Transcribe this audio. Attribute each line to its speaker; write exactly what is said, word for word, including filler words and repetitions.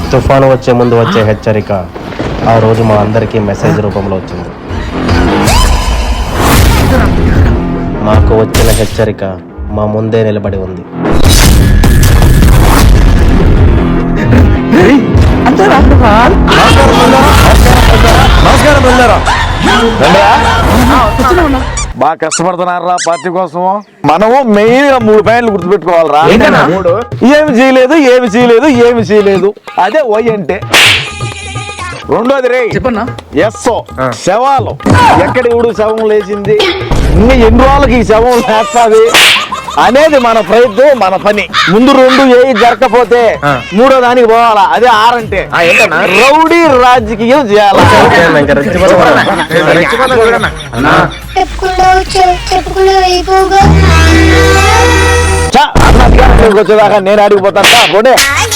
Speaker 1: తుఫాను వచ్చే ముందు వచ్చే హెచ్చరిక ఆ రోజు మా అందరికీ మెసేజ్ రూపంలో వచ్చింది. మాకు వచ్చిన హెచ్చరిక మా ముందే నిలబడి ఉంది.
Speaker 2: బాగా కష్టపడుతున్నారా పార్టీ కోసం. మనము మెయిన్ గా మూడు పాయింట్లు గుర్తుపెట్టుకోవాలరా. ఏమి చేయలేదు ఏమి చేయలేదు ఏమి చేయలేదు అదే వై అంటే. రెండోది రే
Speaker 3: చెప్పన్నా
Speaker 2: ఎస్ఓ శవాలు. ఎక్కడ ఇప్పుడు శవం లేచింది, ఇంకా ఎన్ని రోజులకి ఈ శవం లేస్తాది అనేది మన ప్రయత్నం, మన పని. ముందు రెండు ఏ జరగకపోతే మూడో దానికి పోవాలా. అదే ఆరంటే రౌడీ రాజకీయం చేయాలి. వచ్చేదాకా నేను అడిగిపోతాను.